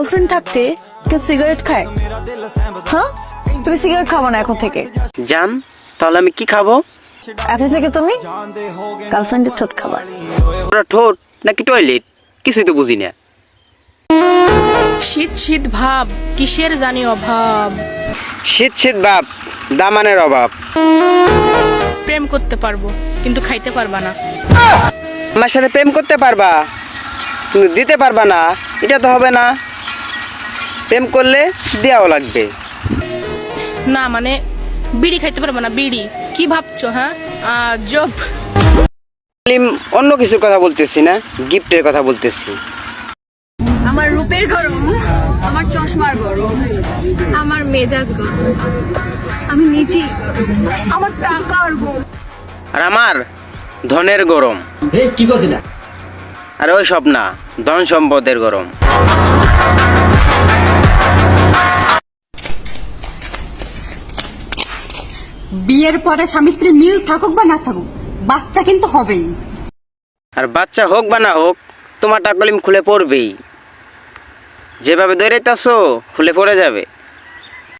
Girlfriend থাকতে কেউ cigarette খায়? হ্যাঁ, তুমি সিগারেট খাবো না এখন থেকে। জান, তাহলে আমি কি খাবো? এখন থেকে তুমি গার্লফ্রেন্ডের ঠোঁট খাবার। ওরা ঠোঁট নাকি টয়লেট, কিছুই তো বুঝি না। শীত শীত ভাব, কিসের জানি অভাব। শীত শীত বাপ, দামানের অভাব। প্রেম করতে পারবো কিন্তু খাইতে পারবা না। আমার সাথে প্রেম করতে পারবা কিন্তু দিতে পারবা না, এটা তো হবে না। প্রেম করলে দেওয়াও লাগবে। না মানে বিড়ি খাইতে পারবা না, বিড়ি কি ভাবছো? হ্যাঁ জব। অন্য কিছুর কথা বলতেছি না, গিফটের কথা বলতেছি। আমার রূপের গরম, আমার চশমার গরম, আমার মেজাজ গরম, আমি নিজেই গরম, আমার টাকার গরম, আর আমার ধনের গরম। কি করছি না? আর ওই সব না, ধন সম্পদের গরম। বিয়ের পরে স্বামী স্ত্রী মিল থাকুক বা না থাকুক, বাচ্চা কিন্তু হবেই। আর বাচ্চা হোক বা না হোক, তোমার টাকলিম খুলে পড়বেই। যেভাবে দৌড়াইতেছো খুলে পড়ে যাবে।